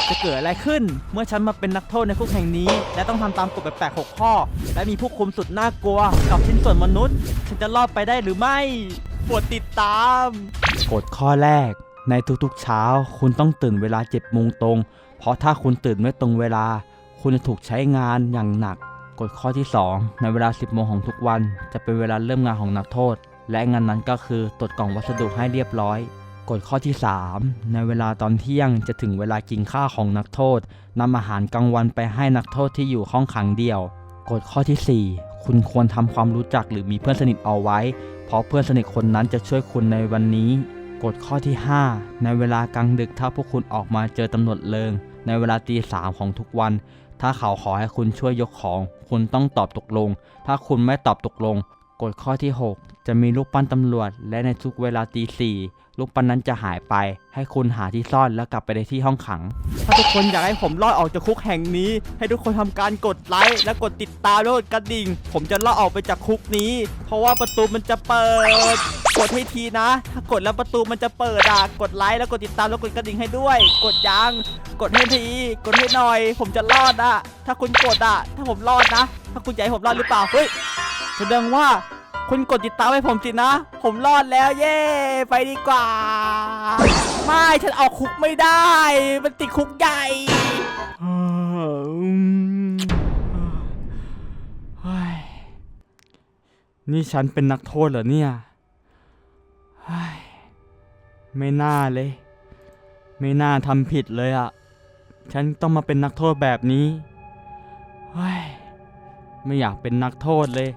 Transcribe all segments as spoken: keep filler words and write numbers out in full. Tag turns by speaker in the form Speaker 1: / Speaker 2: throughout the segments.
Speaker 1: จะเกิดอะไรขึ้นเมื่อฉันมาเป็นนักโทษในคุกแห่งนี้และต้องทำตามกฎแปลกๆหกข้อและมีผู้คุมสุดน่ากลัวกับชิ้นส่วนมนุษย์ฉันจะรอดไปได้หรือไม่โปรดติดตามกฎข้อแรกในทุกๆเช้าคุณต้องตื่นเวลาเจ็ดโมงตรงเพราะถ้าคุณตื่นไม่ตรงเวลาคุณจะถูกใช้งานอย่างหนักกฎข้อที่สองในเวลาสิบโมงของทุกวันจะเป็นเวลาเริ่มงานของนักโทษและงานนั้นก็คือตรวจกล่องวัสดุให้เรียบร้อยกฎข้อที่สามในเวลาตอนเที่ยงจะถึงเวลากินข้าวของนักโทษนำอาหารกลางวันไปให้นักโทษที่อยู่ห้องขังเดี่ยวกฎข้อที่สี่คุณควรทำความรู้จักหรือมีเพื่อนสนิทเอาไว้เพราะเพื่อนสนิทคนนั้นจะช่วยคุณในวันนี้กฎข้อที่ห้าในเวลากลางดึกถ้าพวกคุณออกมาเจอตำรวจเลิงในเวลาตีสามของทุกวันถ้าเขาขอให้คุณช่วยยกของคุณต้องตอบตกลงถ้าคุณไม่ตอบตกลงกฎข้อที่หกจะมีรูปปั้นตำรวจและในทุกเวลาตีสี่รูปปั้นนั้นจะหายไปให้คุณหาที่ซ่อนแล้วกลับไปในที่ห้องขังถ้าทุกคนอยากให้ผมรอดออกจากคุกแห่งนี้ให้ทุกคนทำการกดไลค์และกดติดตามและกดกระดิ่งผมจะรอดออกไปจากคุกนี้เพราะว่าประตูมันจะเปิดกดให้ทีนะถ้ากดแล้วประตูมันจะเปิดอ่ะกดไลค์แล้วกดติดตามแล้วกดกระดิ่งให้ด้วยกดยังกดให้ทีกดให้หน่อยผมจะรอดอ่ะถ้าคุณกดอ่ะถ้าผมรอดนะถ้าคุณอยากให้ผมรอดหรือเปล่าเฮ้ยแสดงว่าคุณกดติดตามให้ผมสินะผมรอดแล้วเย้ไปดีกว่าไม่ฉันเอาคุกไม่ได้มันติดคุกใหญ่นี่ฉันเป็นนักโทษเหรอเนี่ยไม่น่าเลยไม่น่าทำผิดเลยอ่ะฉันต้องมาเป็นนักโทษแบบนี้ไม่อยากเป็นนักโทษเลย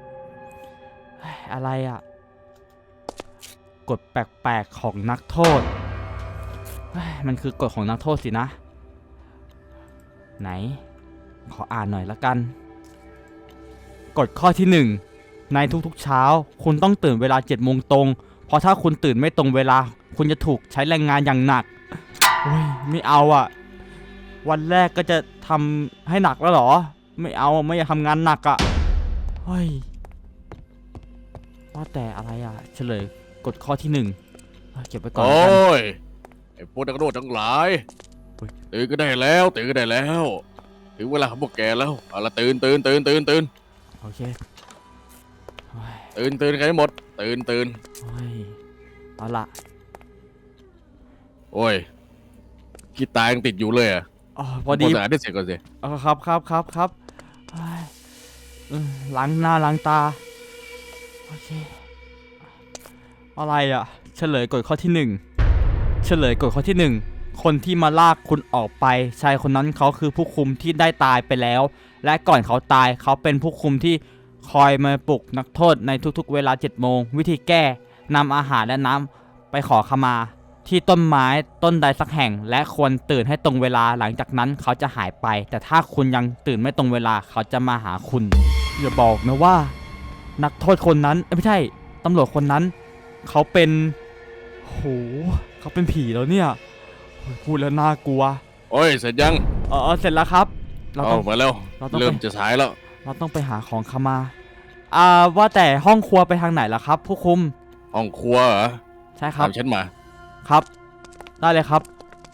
Speaker 1: อะไรอ่ะกฎแปลกๆของนักโทษมันคือกฎของนักโทษสินะไหนขออ่านหน่อยละกันกฎข้อที่หนึ่งในทุกๆเช้าคุณต้องตื่นเวลาเจ็ดโมงตรงเพราะถ้าคุณตื่นไม่ตรงเวลาคุณจะถูกใช้แรงงานอย่างหนักโอ้ยไม่เอาอ่ะวันแรกก็จะทำให้หนักแล้วเหรอไม่เอาไม่อยากทำงานหนักอ่ะเฮ้ยว่าแต่อะไรอ่ะเฉลยกฎข้อที่หนึ่งเก็บไว้ก่อน
Speaker 2: โอ้ยไอ้พวกนักโทษทั้งหลายตื่นก็ได้แล้วตื่นก็ได้แล้วถึงเวลาของพวกแกแล้วเอาละตื่นตื่นตื่นตื่นตื่น
Speaker 1: โอเค
Speaker 2: ตื่นตื่นกันให้หมดตื่นตื่น
Speaker 1: เอาละ
Speaker 2: โอ้ยขี้ตายังติดอยู่เลยอ่ะ
Speaker 1: อ๋อพอดี
Speaker 2: สะอาดที่เสร็จก่อนสิ
Speaker 1: อ๋อครับครับครับครับล้างหน้าล้างตาโอเคอะไรอ่ะเฉลยกฎข้อที่หนึ่งเฉลยกฎข้อที่หนึ่งคนที่มาลากคุณออกไปชายคนนั้นเขาคือผู้คุมที่ได้ตายไปแล้วและก่อนเขาตายเขาเป็นผู้คุมที่คอยมาปลุกนักโทษในทุกๆเวลาเจ็ดโมงวิธีแก้นำอาหารและน้ำไปขอขมาที่ต้นไม้ต้นใดสักแห่งและควรตื่นให้ตรงเวลาหลังจากนั้นเขาจะหายไปแต่ถ้าคุณยังตื่นไม่ตรงเวลาเขาจะมาหาคุณอย่าบอกนะว่านักโทษคนนั้นไม่ใช่ตำรวจคนนั้นเขาเป็นโหเขาเป็นผีแล้วเนี่ยพูดแล้วน่ากลัว
Speaker 2: โอ้ยเสร็จยัง
Speaker 1: เออเสร็จแล้วครับ
Speaker 2: เราต้องมาแล้วเริ่มจะสายแล้ว
Speaker 1: เราต้องไปหาของขมาอ่าว่าแต่ห้องครัวไปทางไหนล่ะครับผู้คุม
Speaker 2: ห้องครัวเหรอ
Speaker 1: ใช่ครับ
Speaker 2: ตามฉันมา
Speaker 1: ครับได้เลยครับ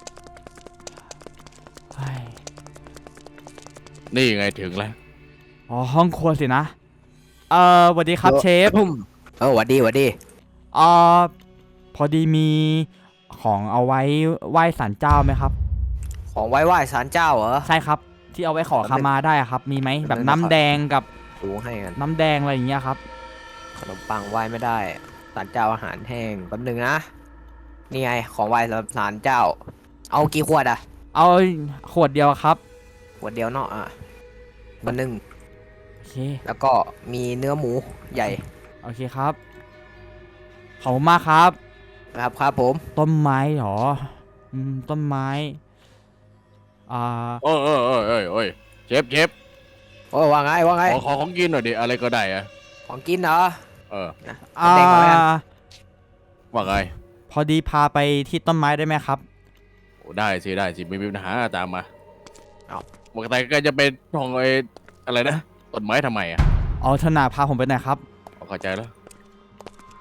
Speaker 2: นี่ไงถึงแล้ว
Speaker 1: อ๋อห้องครัวสินะเอ่อสวัสดีครับเชฟ
Speaker 3: เออสวัสดีสวัสดี
Speaker 1: อ่าพอดีมีของเอาไว้ไหว้ศาลเจ้าไหมครับ
Speaker 3: ของไว้ไหว้ศาลเจ้าเหรอ
Speaker 1: ใช่ครับที่เอาไว้ขอขมาได้ครับมีไหมแบบน้ำแดงกับ
Speaker 3: ดูให้กัน
Speaker 1: น้ำแดงอะไรอย่างเงี้ยครับ
Speaker 3: ขนมปังไหว้ไม่ได้ศาลเจ้าอาหารแห้งแป๊บนึงนะนี่ไงของไหว้สำหรับศาลเจ้าเอากี่ขวดอ่ะ
Speaker 1: เอาขวดเดียวครับ
Speaker 3: ขวดเดียวเนาะอ่ะวันหนึ่ง
Speaker 1: โอเค
Speaker 3: แล้วก็มีเนื้อหมูใหญ่
Speaker 1: โอเคครับขอบคุณมากครับ
Speaker 3: ครับครับผม
Speaker 1: ต้นไม้หรออืมต้นไม้อ่า
Speaker 2: โอ้ยโอ้ยโอ้ยโอ้ยโอ้ยเชฟเชฟ
Speaker 3: โอ้ว่าไงว่าไง
Speaker 2: ขอขอของกินหน่อยดิอะไรก็ได้อะ
Speaker 3: ของกินเหรอ
Speaker 2: เออ
Speaker 1: อ่า
Speaker 2: ว่าไง
Speaker 1: พอดีพาไปที่ต้นไม้ได้ไหมครับ
Speaker 2: โอ้ได้สิได้สิไม่มีปัญหาตามมาเอาปกติก็จะเป็นของไอ้อะไรนะต้นไม้ทำไมอ่ะ
Speaker 1: เอาธนาพาผมไปไหนครับ
Speaker 2: เข้าใจแล้ว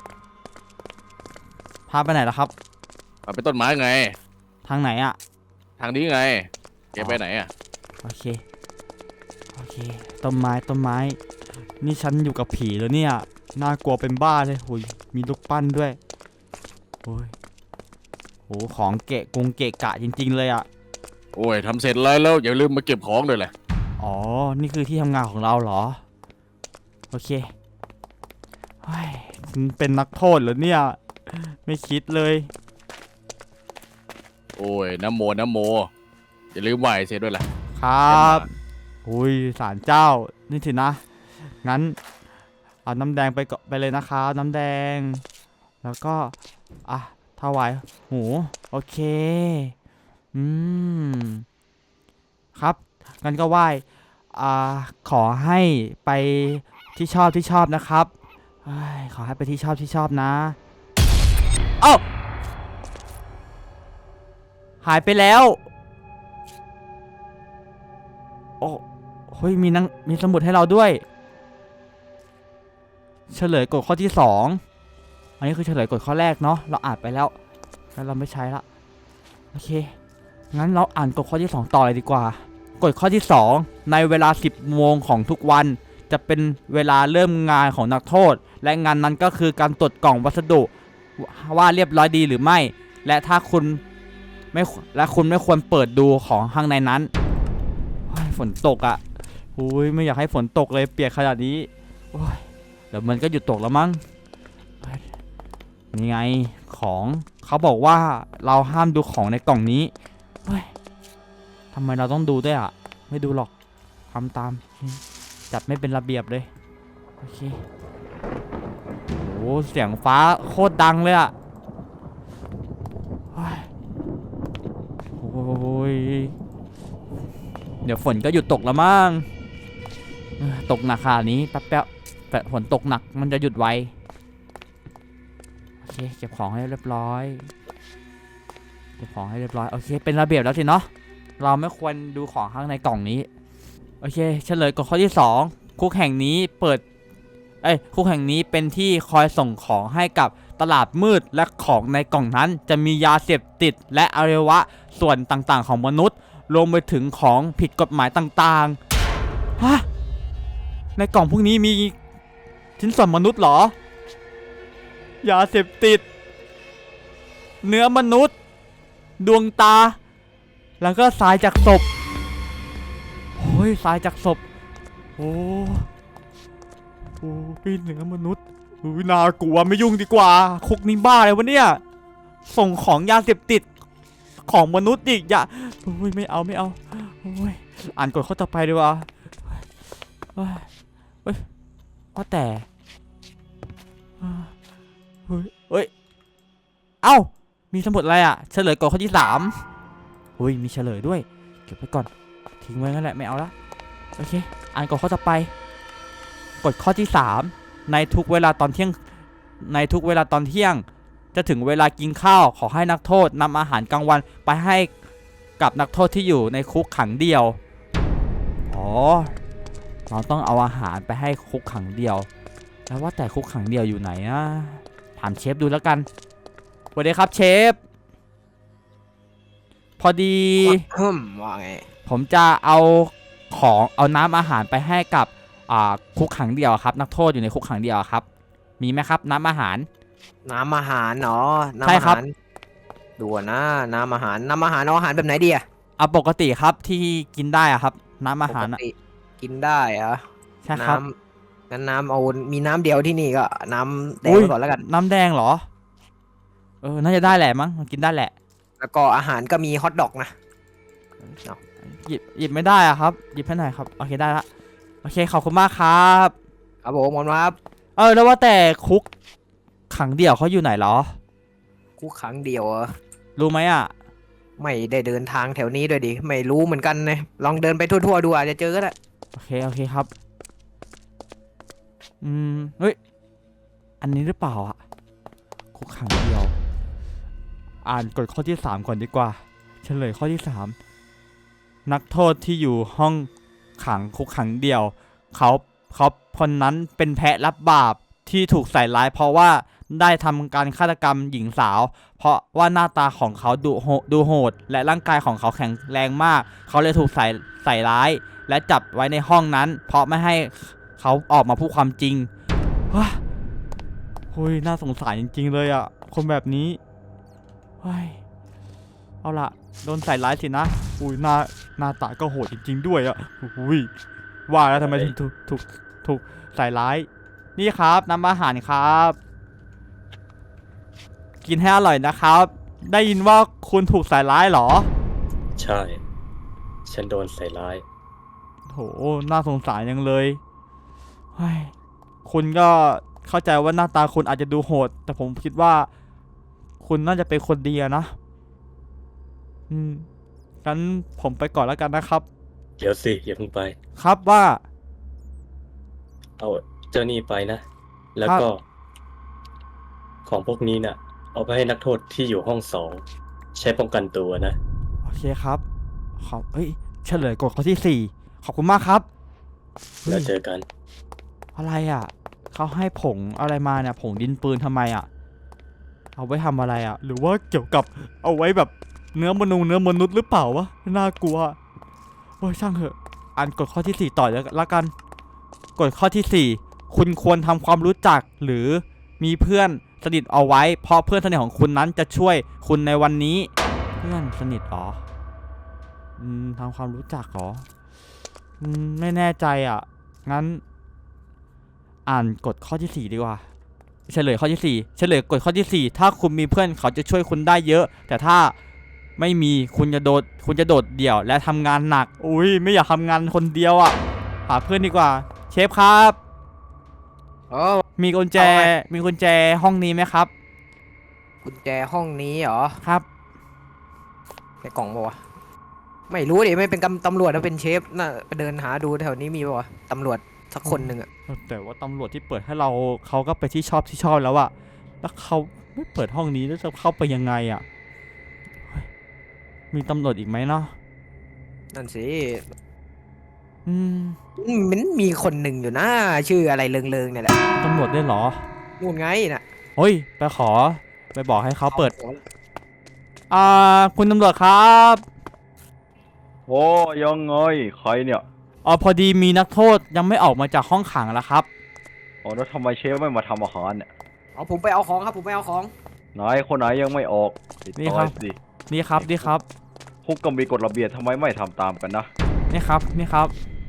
Speaker 1: พาไปไหนล่ะครับ
Speaker 2: พาไปต้นไม้ไง
Speaker 1: ทางไหนอ่ะ
Speaker 2: ทางนี้ไงแกไปไหนอ่ะ
Speaker 1: โอเคโอเคต้นไม้ต้นไม้ นี่ฉันอยู่กับผีแล้วเนี่ยน่ากลัวเป็นบ้าเลยหุยมีลูกปั้นด้วยโอ้ยโหของเกะกงเกะกะจริงๆเลยอ่ะ
Speaker 2: โอ้ยทำเสร็จแล้วแล้วอย่าลืมมาเก็บของด้วยแหละ
Speaker 1: อ๋อนี่คือที่ทำงานของเราเหรอโอเคเฮ้ยฉันเป็นนักโทษเหรอเนี่ยไม่คิดเลย
Speaker 2: โอ้ยน้ำโมน้ำโมอย่าลืมไหว้เสร็จด้วยแหละ
Speaker 1: ครับอุ้ยศาลเจ้านี่สินะ งั้นเอาน้ำแดงไปเกาะไปเลยนะครับน้ำแดง แล้วก็อ่ะถวายหูโอเคอืมครับงั้นก็ไหว้อ่าขอให้ไปที่ชอบที่ชอบนะครับเฮ้ยขอให้ไปที่ชอบที่ชอบนะเอ้าหายไปแล้วโอ้เฮ้ยมีนังมีสมุดให้เราด้วย เฉลยกฎข้อที่สองอันนี้คือเฉลยกฎข้อแรกเนาะเราอ่านไปแล้วแล้วเราไม่ใช้ละโอเคงั้นเราอ่านกฎข้อที่สองต่อเลยดีกว่ากฎข้อที่สองในเวลาสิบโมงของทุกวันจะเป็นเวลาเริ่มงานของนักโทษและงานนั้นก็คือการตรวจกล่องวัสดุว่าเรียบร้อยดีหรือไม่และถ้าคุณไม่และคุณไม่ควรเปิดดูของข้างในนั้นโอ้ยฝนตกอ่ะอุ้ยไม่อยากให้ฝนตกเลยเปียกขนาดนี้โอ้ยเดี๋ยวมันก็หยุดตกแล้วมั้งนี่ไงของเขาบอกว่าเราห้ามดูของในกล่องนี้เฮ้ยทำไมเราต้องดูด้วยอ่ะไม่ดูหรอกทำตามจัดไม่เป็นระเบียบเลยโอเคโอ้เสียงฟ้าโคตรดังเลยอ่ะโอ้ยเดี๋ยวฝนก็หยุดตกแล้วมั้งตกหนักขนาดนี้แป๊บๆแต่ฝนตกหนักมันจะหยุดไวโอเคเก็บของให้เรียบร้อยเก็บของให้เรียบร้อยโอเคเป็นระเบียบแล้วสิเนาะเราไม่ควรดูของข้างในกล่องนี้โอเคเฉลยกฎข้อที่สองคุกแห่งนี้เปิดเอ้ยคุกแห่งนี้เป็นที่คอยส่งของให้กับตลาดมืดและของในกล่องนั้นจะมียาเสพติดและอวัยวะส่วนต่างๆของมนุษย์รวมไปถึงของผิดกฎหมายต่างๆฮะในกล่องพวกนี้มีชิ้นส่วนมนุษย์เหรอยาเสพติดเนื้อมนุษย์ดวงตาแล้วก็สายจากศพโอ้ยสายจากศพโอ้โอ้ยเนื้อมนุษย์อุ้ยน่ากลัวไม่ยุ่งดีกว่าคุกนี้บ้าเลยวะเนี่ยส่งของยาเสพติดของมนุษย์อีกอย่าโอ้ยไม่เอาไม่เอาโอ้ยอ่านกฎข้อต่อไปดีกว่าเฮ้ยเฮ้ยว่าแต่เฮ้ยเฮ้ยเอ้ามีสมุดอะไรอ่ะเฉลยกฎข้อที่สามอุ้ยมีเฉลยด้วยเก็บไว้ก่อนทิ้งไว้งั้นแหละไม่เอาละโอเคอ่านกฎข้อต่อไปกฎข้อที่สามในทุกเวลาตอนเที่ยงในทุกเวลาตอนเที่ยงจะถึงเวลากินข้าวขอให้นักโทษนำอาหารกลางวันไปให้กับนักโทษที่อยู่ในคุกขังเดียวอ๋อเราต้องเอาอาหารไปให้คุกขังเดียวแล้วว่าแต่คุกขังเดียวอยู่ไหนนะถามเชฟดูแล้วกันสวัสดีครับเชฟพอดี
Speaker 3: ฮึมว่าไง
Speaker 1: ผมจะเอาของเอาน้ำอาหารไปให้กับอ่าคุกขังเดียวครับนักโทษอยู่ในคุกขังเดียวครับมีไหมครับน้ำอาหาร
Speaker 3: น้ำอาหารเนาะน้ำ
Speaker 1: ใช่
Speaker 3: อา
Speaker 1: ครั
Speaker 3: หา
Speaker 1: บ
Speaker 3: รดูนะน้ำอาหารน้ำอาหารเอาอาหารแบบไหนดีอะ
Speaker 1: เอาปกติครับที่กินได้อะครับน้ำอาหาร
Speaker 3: ป
Speaker 1: อะ
Speaker 3: กติกินได้เหรอ
Speaker 1: ใช่ครับ
Speaker 3: น้ำงั้นน้ำเอามีน้ำเดียวที่นี่ก็น้ำแดง
Speaker 1: อุ๊ย
Speaker 3: ไว้ก่อนแล้วกัน
Speaker 1: น้ำแดงเหรอเออน่าจะได้แหละมั้งกินได้แหละ
Speaker 3: แล้วก็อาหารก็มีฮอทดอกนะ
Speaker 1: หยิบหยิบไม่ได้อะครับหยิบให้หน่อยครับโอเคได้ละโอเคขอบคุณมากครับ
Speaker 3: ครับผมขอบคุณครับ
Speaker 1: เออแล้วว่าแต่คุกขังเดี่ยวเขาอยู่ไหนเหรอ
Speaker 3: กูครั้งเดียวเหรอ
Speaker 1: รู้ไหมอะ
Speaker 3: ไม่ได้เดินทางแถวนี้ด้วยดิไม่รู้เหมือนกันนะลองเดินไปทั่วๆดูอาจจะเจอก็ได้
Speaker 1: โอเคโอเคครับอืมเฮ้ยอันนี้หรือเปล่าอะคุกขังเดียว อ่านกฎข้อที่สามก่อนดีกว่าเฉลยข้อที่สามนักโทษที่อยู่ห้องขังคุกขังเดียวเขาเขาคนนั้นเป็นแพะรับบาปที่ถูกใส่ร้ายเพราะว่าได้ทำการฆาตกรรมหญิงสาว เพราะว่าหน้าตาของเขาดูโหดูโหดและร่างกายของเขาแข็งแรงมากเขาเลยถูกใส่ใส่ร้ายและจับไว้ในห้องนั้น เพราะไม่ให้เขาออกมาพูดความจริงว้าเฮ้ยน่าสงสารจริงๆเลยอ่ะคนแบบนี้เฮ้ยเอาล่ะโดนใส่ร้ายสินะอุ้ยหน้าหน้าตาก็โหดจริงๆด้วยอ่ะอุ้ยว่าแล้วทำไมถึงถูกถูกถูกใส่ร้ายนี่ครับน้ำอาหารครับกินให้อร่อยนะครับ ได้ยินว่าคุณถูกใส่ร้ายเหรอ
Speaker 4: ใช่ ฉันโดนใส่ร้าย
Speaker 1: โหน่าสงสารยังเลยเฮ้ยคุณก็เข้าใจว่าหน้าตาคุณอาจจะดูโหด แต่ผมคิดว่า คุณน่าจะเป็นคนดีอะนะ อืมงั้นผมไปก่อนแล้วกันนะครับ
Speaker 4: เดี๋ยวสิอย่าเพิ่งไป
Speaker 1: ครับว่า
Speaker 4: เอาเจ้านี่ไปนะ แล้ว
Speaker 1: ครับ
Speaker 4: ก็ ของพวกนี้น่ะ เอาไปให้นักโทษที่อยู่ห้องสองใช้ป้องกันตัวนะ
Speaker 1: โอเคครับขอบเฮ้ยเฉลยกฎข้อที่สี่ขอบคุณมากครับเฮ้
Speaker 4: แล้ว
Speaker 1: ย
Speaker 4: เจอกัน
Speaker 1: อะไรอ่ะเขาให้ผงอะไรมาเนี่ยผงดินปืนทำไมอ่ะ เอาไว้ทำอะไรอ่ะ หรือว่าเกี่ยวกับเอาไว้แบบเนื้อมนุษย์เนื้อมนุษย์หรือเปล่าวะน่ากลัวโอ้ยช่างเถอะอ่านกฎข้อที่สี่ต่อแล้วละกันกฎข้อที่สี่คุณควรทำความรู้จักหรือมีเพื่อนสนิทเอาไว้ เพราะเพื่อนสนิทของคุณนั้นจะช่วยคุณในวันนี้ เพื่อนสนิทเหรออืมทำความรู้จักเหรออืมไม่แน่ใจอ่ะงั้น อ่านกฎข้อที่สี่ดีกว่าเฉลยข้อที่สี่เฉลยกฎข้อที่สี่ถ้าคุณมีเพื่อนเขาจะช่วยคุณได้เยอะ แต่ถ้าไม่มีคุณจะโดดคุณจะโดดเดี่ยวและทำงานหนักอุ้ยไม่อยากทำงานคนเดียวอ่ะหาเพื่อนดีกว่า เชฟครับ
Speaker 3: โอ้
Speaker 1: มีกุญแจ
Speaker 3: เอาไง
Speaker 1: มีกุญแจห้องนี้ไหมครับ
Speaker 3: กุญแจห้องนี้เหรอ
Speaker 1: ครับ
Speaker 3: ในกล่องปะวะไม่รู้ดิไม่เป็นกำตำรวจนะเป็นเชฟน่ะไปเดินหาดูแถวนี้มีปะวะตำรวจสักคนหนึ่งอะ
Speaker 1: แต่ว่าตำรวจที่เปิดให้เราเขาก็ไปที่ชอบที่ชอบแล้วอะแล้วเขาไม่เปิดห้องนี้แล้วจะเข้าไปยังไงอะเฮ้ยมีตำรวจอีกไหมเนาะ
Speaker 3: นั่นสิ
Speaker 1: อืม
Speaker 3: อืมมันมีคนหนึ่งอยู่นะชื่ออะไรเลิงๆเนี่ยแหละ
Speaker 1: ตำรวจได้เหรอ
Speaker 3: นู่นไงน่ะ
Speaker 1: เฮ้ยไปขอไปบอกให้เขาเปิด อ่า คุณตำรวจครับ
Speaker 5: โอ้ยังไงใครเนี่ย
Speaker 1: อ๋อพอดีมีนักโทษยังไม่ออกมาจากห้องขังแล้วครับ
Speaker 5: อ๋อแล้วทำไมเชฟไม่มาทำอาหารเนี่ย
Speaker 3: เอาผมไปเอาของครับผมไปเอาของ
Speaker 5: ไหนคนไหนยังไม่ออกติด
Speaker 1: นี่
Speaker 5: ต่
Speaker 1: ครั
Speaker 5: อบ สิ
Speaker 1: นี่ครับนี่ครับ
Speaker 5: คุกก็มีกฎระเบียบทำไมไม่ทำตามกันนะ
Speaker 1: นี่ครับนี่ครับ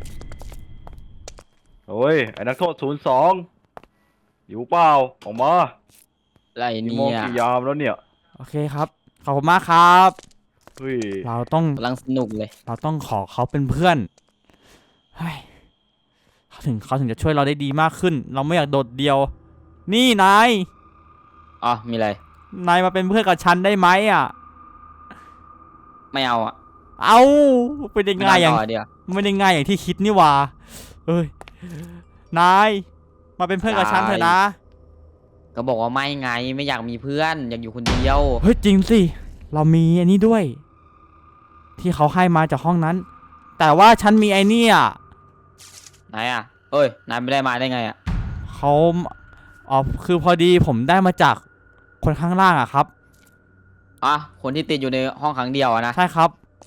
Speaker 5: เฮ้ยไอ้นักโทษศูนย์สองอยู่เปล่าออกมา
Speaker 6: อะไร
Speaker 5: กี่
Speaker 6: เนี่
Speaker 5: โมง
Speaker 6: ย
Speaker 5: กี่ยามแล้วเนี่ย
Speaker 1: โอเคครับขอบคุณมากครับ
Speaker 5: เฮ้ย
Speaker 1: เราต้อง
Speaker 6: กำลังสนุกเลย
Speaker 1: เราต้องขอเขาเป็นเพื่อนเฮ้ยเขาถึงเขาถึงจะช่วยเราได้ดีมากขึ้น เราไม่อยากโดดเดี่ยว นี่นาย
Speaker 6: อ๋อ มีอะไร
Speaker 1: นายมาเป็นเพื่อนกับฉันได้ไหมอ่ะ
Speaker 6: ไม่เอาอ่ะ
Speaker 1: เอาเป็นได้ง่ายอย่าง
Speaker 6: ไม่เต่อเดียว
Speaker 1: ไม่ได้ง่ายอย่างที่คิดนี่หว่าเอ้ย นาย มาเป็นเพื่อนกับฉันเถอะนะ
Speaker 6: ก็บอกว่าไม่ไง ไม่อยากมีเพื่อน อยากอยู่คนเดียว
Speaker 1: เฮ้ยจริงสิ เรามีอันนี้ด้วย ที่เขาให้มาจากห้องนั้น แต่ว่าฉันมีไอ้นี่อ่ะ
Speaker 6: ไหนอ่ะ เอ้ย นายไม่ได้มาได้ไงอ่ะ
Speaker 1: เขาอ๋อคือพอดีผมได้มาจากคนข้างล่างอะครับ
Speaker 6: อ่ะ คนที่ติดอยู่ในห้องขังเดียวอะนะ
Speaker 1: ใช่ครับ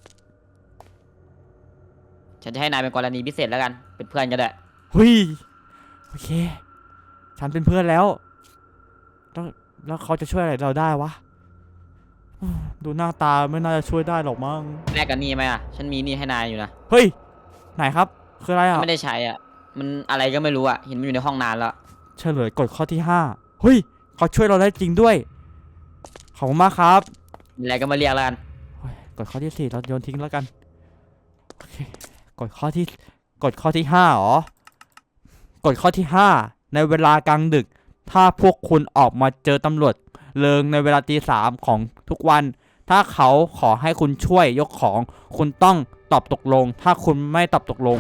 Speaker 6: ฉันจะให้นายเป็นกรณีพิเศษแล้วกัน เป็นเพื่อนก็ได้
Speaker 1: เฮ้ยโอเค ฉันเป็นเพื่อนแล้วแล้วแล้วเขาจะช่วยอะไรเราได้วะอืมดูหน้าตาไม่น่าจะช่วยได้หรอกมั้ง
Speaker 6: แลกกันนี่ไหมอ่ะ ฉันมีนี่ให้นายอยู่นะ
Speaker 1: เฮ้ย ไหนครับ คืออะไรอ่ะ
Speaker 6: ไม่ได้ใช้อ่ะ มันอะไรก็ไม่รู้อ่ะ เห็นมันอยู่ในห้องนานแล้ว
Speaker 1: เฉลยกฎข้อที่ห้าเฮ้ยเขาช่วยเราได้จริงด้วยขอบคุณมากครับ
Speaker 6: มีอะไรก็มาเรียกแล้วกัน
Speaker 1: โอ้ยกฎข้อที่สี่เราโยนทิ้งแล้วกันโอเคกฎข้อที่กฎข้อที่ห้าเหรอกฎข้อที่ห้าในเวลากลางดึก ถ้าพวกคุณออกมาเจอตำรวจเลิงในเวลาตีสามของทุกวัน ถ้าเขาขอให้คุณช่วยยกของ คุณต้องตอบตกลง ถ้าคุณไม่ตอบตกลง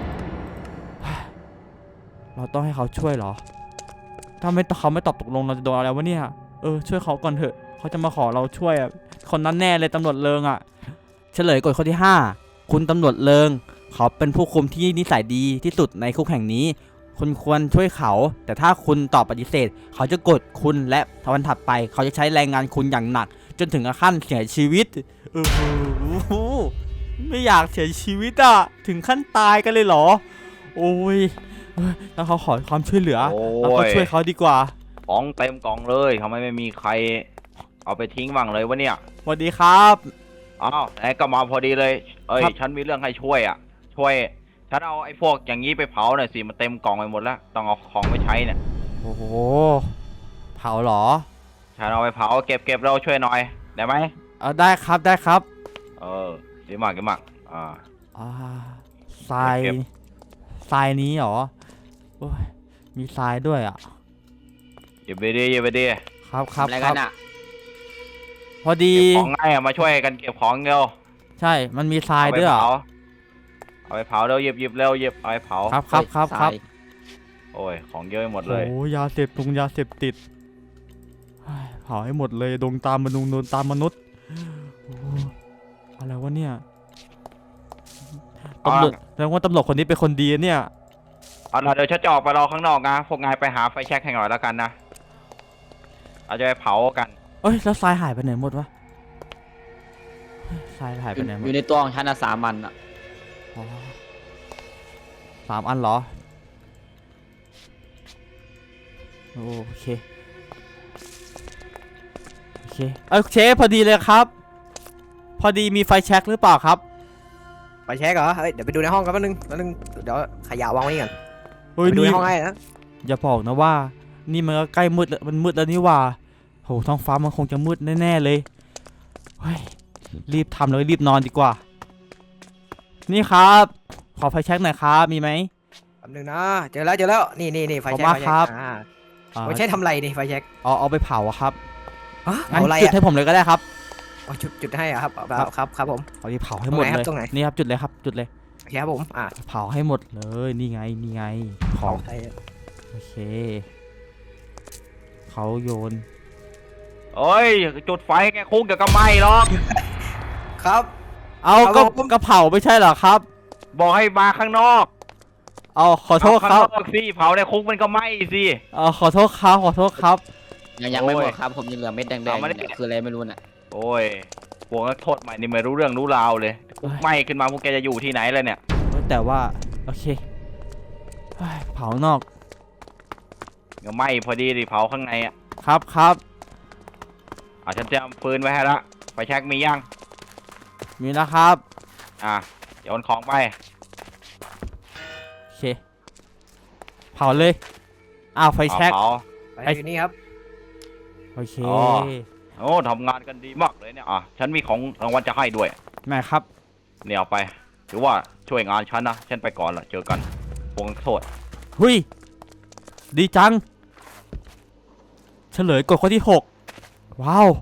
Speaker 1: เราต้องให้เขาช่วยเหรอ ถ้าไม่เขาไม่ตอบตกลงเราจะโดนอะไรวะเนี่ย เออช่วยเขาก่อนเถอะเขาจะมาขอเราช่วยอ่ะคนนั้นแน่เลยตำรวจเลิงอ่ะ เฉลยกฎข้อที่ห้าคุณตำรวจเลิงเขาเป็นผู้คุมที่นิสัยดีที่สุดในคุกแห่งนี้ คคุณควรช่วยเขา แต่ถ้าคุณตอบปฏิเสธ เขาจะกดคุณและวันถัดไป เขาจะใช้แรงงานคุณอย่างหนัก จนถึงขั้นเสียชีวิตเออไม่อยากเสียชีวิตอะถึงขั้นตายกันเลยเหรอ โอ้ยเอ้ยแล้วเขาขอความช่วยเหลือ
Speaker 5: โอ้
Speaker 1: เราก็
Speaker 5: ย
Speaker 1: ช่วยเขาดีกว่า
Speaker 5: ของเต็มกล่องเลยทำไมไม่มีใคร เอาไปทิ้งบ้างเลยวะเนี่ย
Speaker 1: สวัสดีครับ
Speaker 5: อ้าวไหนก็มาพอดีเลย เอ้ย
Speaker 1: ครับ
Speaker 5: ฉันมีเรื่องให้ช่วยอ่ะ ช่วย ฉันเอาไอ้พวกอย่างนี้ไปเผาหน่อยสิ มันเต็มกล่องไปหมดแล้ว ต้องเอาของไปใช้เนี่ย
Speaker 1: โอ้โหเผาเหรอ
Speaker 5: ฉันเอาไปเผาเก็บเก็บเราช่วยหน่อย ได้ไหม
Speaker 1: เอาได้ครับได้ครับ
Speaker 5: เออดีมากดีมากอ่า
Speaker 1: อ่าทราย
Speaker 5: เก็บ
Speaker 1: ทรายนี้เหรอโอ้ยมีทรายด้วยอ่ะ
Speaker 5: เก็บไปดีเก็บไปดี
Speaker 1: ครับครับ
Speaker 6: อะไร
Speaker 1: ค
Speaker 6: กั
Speaker 1: รั
Speaker 6: น
Speaker 1: บ
Speaker 6: อ่ะ
Speaker 1: พอดี
Speaker 5: เก็บของง่ายอะมาช่วยกันเก็บของเร็ว
Speaker 1: ใช่มันมีทราย
Speaker 5: เอาไป
Speaker 1: ด้วยอ่ะ
Speaker 5: เผาเอาไปเผาเร็วหยิบหยิบเร็วหยิบเอาไปเผา
Speaker 1: ครับครับครับครับ
Speaker 6: เฮ้ย
Speaker 5: โอ้ย ของเยอะไปหมดเลย
Speaker 1: โอ้ยาเสพตรงยาเสพติดเฮ้ยเผาให้หมดเลยดงตามมนุษย์โดนตามมนุษย์โอ้อะไรวะเนี่ย
Speaker 5: อ่า
Speaker 1: ตำรวจแสดงว่าตำรวจคนนี้เป็นคนดีนะเนี่ย
Speaker 5: เอาล่ะเดี๋ยวฉันจะออกไปรอข้างนอกนะ พวกนายไปหาไฟแช็กให้หน่อยแล้วกันนะเราจะไปเผากัน
Speaker 1: เอ้ยแล้วทรายหายไปไหนหมดวะเฮ้ยทรายหายไปไหนหม
Speaker 6: อ
Speaker 1: ด
Speaker 6: ยู่ในตัวของฉันนะสามอันอ่ะ
Speaker 1: อ๋อสามอันเหรอ โอเค โอเค เอ้ยเชฟพอดีเลยครับ พอดีมีไฟแช็กหรือเปล่าครับ
Speaker 3: ไปเช็คเหรอเฮ้ยเดี๋ยวไปดูในห้องกันแป๊บนึงแป๊บนึงเดี๋ยวขยะวางไว้นี่ก่อน
Speaker 1: เฮ้ย
Speaker 3: ไปดู
Speaker 1: นี่
Speaker 3: ในห้องให้นะ
Speaker 1: อย่าบอกนะว่า นี่มันก็ใกล้มืดแล้วมันมืดแล้วนี่หว่าโหท้องฟ้ามันคงจะมืดแน่ๆเลยเฮ้ยรีบทำเลยรีบนอนดีกว่า นี่ครับ ขอไฟแช็กหน่อยครับ มีไหม
Speaker 3: แป๊บนึงนะเจอแล้วเจอแล้วนี่นี่นี่ไฟ
Speaker 1: ขอบ
Speaker 3: แช็
Speaker 1: คุณ
Speaker 3: ก
Speaker 1: มากครับ
Speaker 3: อ่า
Speaker 1: อ่า
Speaker 3: ไฟแช็กทำอะไรนี่ไฟแช็ก
Speaker 1: เอาเอาไปเผาอะครับ
Speaker 3: ฮะ
Speaker 1: งั้น
Speaker 3: เอาอะไร
Speaker 1: จุด
Speaker 3: อ่ะ
Speaker 1: ให้ผมเลยก็ได้ครับ
Speaker 3: เอาจุดจุดให้อ่ะครับเอา
Speaker 1: ครับ
Speaker 3: ครับครับผม
Speaker 1: เอาที่เผาให้หมด
Speaker 3: ตรงไหนครั
Speaker 1: เลย
Speaker 3: บตรงไหน
Speaker 1: นี่ครับจุดเลยครับ จุดเลย
Speaker 3: โอเคครับผมอ่ะ
Speaker 1: เผาให้หมดเลย นี่ไง นี่ไง ของ
Speaker 3: ใคร
Speaker 1: โอเค เขาโยน
Speaker 5: เอ้ย จุดไฟแกคุกเดี๋ยวก็ไหม้หรอก
Speaker 3: ครับ
Speaker 1: เอา
Speaker 3: เอา
Speaker 1: ก็
Speaker 3: ผม
Speaker 1: ก็เผาไม่ใช่เหรอครับ
Speaker 5: บอกให้มาข้างนอก
Speaker 1: เอาขอโทษ
Speaker 5: เอา
Speaker 1: ค
Speaker 5: ข้าง
Speaker 1: รับ
Speaker 5: นอกสิเผาในคุกมันก็ไหม้สิ
Speaker 1: เอาขอโทษครับ ขอโทษครับ
Speaker 6: ยังยังไม่หม
Speaker 5: โอ้
Speaker 6: ด
Speaker 5: ย
Speaker 6: ครับ ผมยังเหลือเม็ดแดงๆ
Speaker 5: เอามาดิ
Speaker 6: เนี่ยคืออะไรไม่รู้น่ะ
Speaker 5: โอ้ยพวกนักโทษใหม่นี่ไม่รู้เรื่องรู้ราวเลยคุกไหม้ขึ้นมาพวกแกจะอยู่ที่ไหนเลยเนี่ย
Speaker 1: แต่ว่า โอเคเฮ้ยเผานอก
Speaker 5: ก็ไหม้พอดีดิเผาข้างในอ่ะ
Speaker 1: ครับครับ
Speaker 5: อ่ะฉันเตรียมปืนไว้ให้ละไฟแช็กมียัง
Speaker 1: มีนะครับ
Speaker 5: อ่ะโยนของไป
Speaker 1: โอเค เผาเลย อ้าวไฟแช็ก
Speaker 5: เผา
Speaker 3: ไป
Speaker 1: ไอ้
Speaker 3: อยู่นี่ครับ
Speaker 1: โอเค
Speaker 5: อ๋อ โอ้ทำงานกันดีมากเลยเนี่ยอ่ะฉันมีของรางวัลจะให้ด้วย
Speaker 1: แม่ครับ
Speaker 5: เนี่ยเอาไปถือว่าช่วยงานฉันนะฉันไปก่อนละเจอกันพวกนักโทษ
Speaker 1: หุยดีจัง เฉลยกฎข้อที่หกว้าว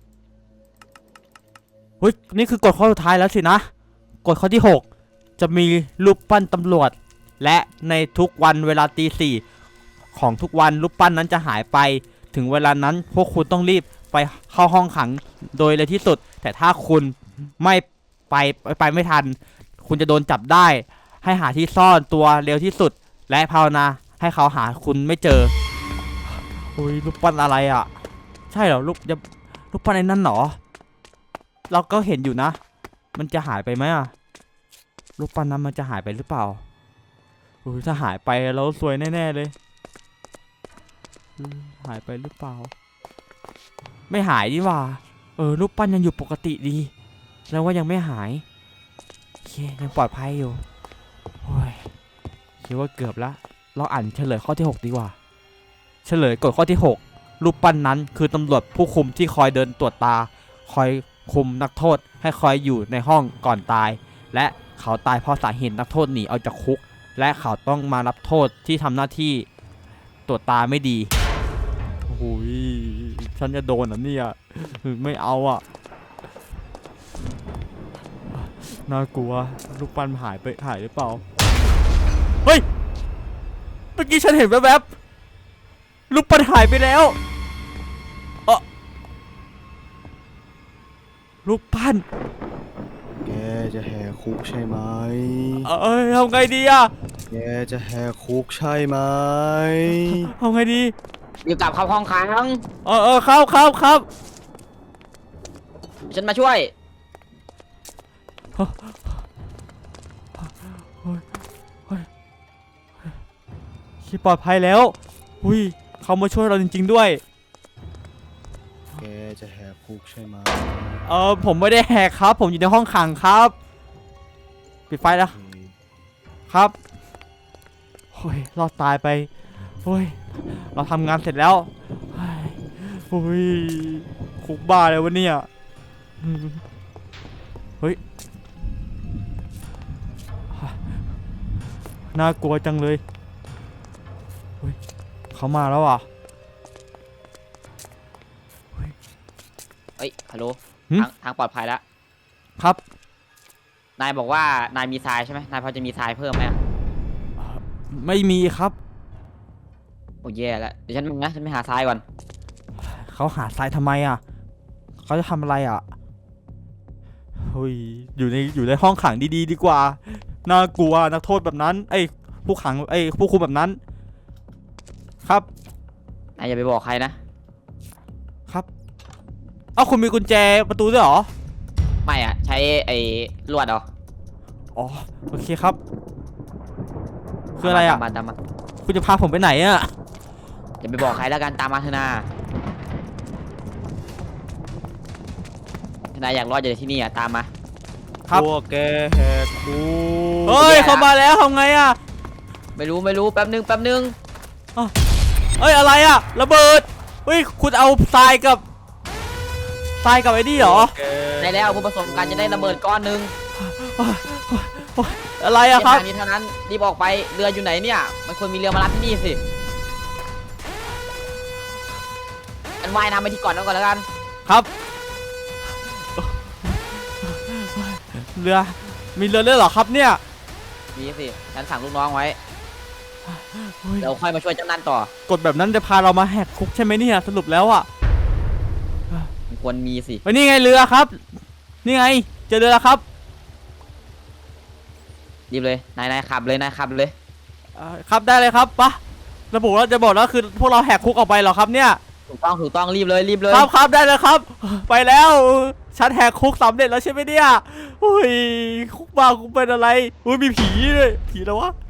Speaker 1: เฮ้ยนี่คือกฎข้อสุดท้ายแล้วสินะกฎข้อที่หกจะมีรูปปั้นตำรวจ และในทุกวันเวลาตีสี่ของทุกวันรูปปั้นนั้นจะหายไป ถึงเวลานั้นพวกคุณต้องรีบไปเข้าห้องขังโดยเร็วที่สุด แต่ถ้าคุณไม่ไปไปไปไม่ทัน คุณจะโดนจับได้ ให้หาที่ซ่อนตัวเร็วที่สุด และภาวนาให้เขาหาคุณไม่เจอโอ้ยรูปปั้นอะไรอ่ะ ใช่เหรอรูปจะรูปปั้นไอ้นั่นเหรอ เราก็เห็นอยู่นะ มันจะหายไปไหมอ่ะรูปปั้นนั้นมันจะหายไปหรือเปล่าโอ้ยถ้าหายไปเราสวยแน่ๆเลยอืมหายไปหรือเปล่า ไม่หายดีว่าเออรูปปั้นยังอยู่ปกติดีแล้วว่ายังไม่หายโอเคยังปลอดภัยอยู่โอ้ยคิดว่าเกือบละเราอ่านเฉลยข้อที่หกดีกว่า เฉลยกฎข้อที่หกรูปปั้นนั้นคือตำรวจผู้คุมที่คอยเดินตรวจตา คอยคุมนักโทษให้คอยอยู่ในห้องก่อนตาย และเขาตายเพราะสาเหตุนักโทษหนีออกจากคุก และเขาต้องมารับโทษที่ทำหน้าที่ตรวจตาไม่ดีโอ้ยฉันจะโดนอ่ะเนี่ยไม่เอาอ่ะน่ากลัวรูปปั้นหายไปหายหรือเปล่าเฮ้ยเมื่อกี้ฉันเห็นแวบๆรูปปั้นหายไปแล้วเออรูปปั้น
Speaker 7: แกจะแหกคุกใช่ไหม
Speaker 1: เอ้ยทำไงดีอะ
Speaker 7: แกจะแหกคุกใช่ไหม
Speaker 1: เอาไงดี
Speaker 6: รีบกลับเข้าห้องขัง
Speaker 1: เออเออครับครับครับ
Speaker 6: ฉันมาช่วย
Speaker 1: ที่ปลอดภัยแล้วอุ้ยเขามาช่วยเราจริง ๆด้วย
Speaker 7: แกจะแหกคุกใช่ไหม
Speaker 1: เออผมไม่ได้แหกครับ ผมอยู่ในห้องขังครับ ปิดไฟแล้ว
Speaker 7: โอเค
Speaker 1: ครับโอ้ยรอดตายไปโอ้ยเราทำงานเสร็จแล้วโอ้ยคุกบ้าเลยวะเนี่ยอืมเฮ้ยน่ากลัวจังเลยเฮ้ยเขามาแล้วอ่ะ
Speaker 6: เอ้ย ฮัลโหล
Speaker 1: หึ
Speaker 6: ทางทางปลอดภัยแล้ว
Speaker 1: ครับ
Speaker 6: นายบอกว่านายมีทรายใช่ไหมนายพอจะมีทรายเพิ่มไหมอะ
Speaker 1: ไม่มีครับ
Speaker 6: โอ้แย่แล้ว เดี๋ยวฉันมึงนะฉันไปหาทรายก่อน
Speaker 1: เขาหาทรายทำไมอ่ะเขาจะทำอะไรอ่ะเฮ้ยอยู่ในอยู่ในห้องขังดีๆดีกว่าน่ากลัวนักโทษแบบนั้นไอ้ยผู้ขังไอ้ยผู้คุมแบบนั้น ครับ
Speaker 6: นายอย่าไปบอกใครนะ
Speaker 1: ครับเอ้าคุณมีกุญแจประตูด้วยเหรอ
Speaker 6: ไม่อะใช้ไอ้ลวดเหรอ
Speaker 1: อ๋อโอเคครับ คืออะไรอ่ะ
Speaker 6: ตามมาตามมา
Speaker 1: คุณจะพาผมไปไหนอ่ะ
Speaker 6: อย่าไปบอกใครแล้วกันตามมาเถอะนาถ้านายอยากรอดจากที่นี่อะตามมา
Speaker 1: ครับ
Speaker 7: พวกแกแหกคุก
Speaker 1: เฮ้ยเขามาแล้วทำไงอ่ะ
Speaker 6: ไม่รู้ไม่รู้แป๊บนึงแป๊บนึง
Speaker 1: เอ้ยอะไรอ่ะระเบิดเฮ้ยคุณเอาทรายกับทรายกับไอ้นี่เหรอ
Speaker 7: แก
Speaker 6: ได้แล้วผู้ประสบการณ์จะได้ระเบิดก้อนหนึง
Speaker 1: อะไรอะครับ
Speaker 6: เส้นทางนี้เท่านั้นรีบออกไปเรืออยู่ไหนเนี่ยมันควรมีเรือมารับที่นี่สิอันว่ายน้ำไปที่เก่อนนั่นก่อนแล้วกัน
Speaker 1: ครับ เรือมีเรือด้วยเหรอครับเนี่ย
Speaker 6: มีสิฉันสั่งลูกน้องไว้
Speaker 1: เฮ้ย
Speaker 6: เราค่อยมาช่วยเจ้านั่นต่อก
Speaker 1: ฎแบบนั้นจะพาเรามาแหกคุกใช่ไหมเนี่ยสรุปแล้วอ่ะ
Speaker 6: มันควรมีสิ
Speaker 1: เฮ้ยนี่ไงเรือครับ นี่ไงเจอเรือแล้วครับ
Speaker 6: รีบเลยนายนายขับเลยนายขับเลย
Speaker 1: อ่าครับได้เลยครับปะระบุแล้วจะบอกแล้วคือพวกเราแหกคุกออกไปเหรอครับเนี่ย
Speaker 6: ถูกต้องถูกต้องรีบเลยรีบเลย
Speaker 1: ครับครับได้เลยครับ ไปแล้วฉันแหกคุกสำเร็จแล้วใช่ไหมเนี่ยอุ้ยคุกบ้าคุกเป็นอะไรอุ้ยมีผีด้วยผีแล้ววะ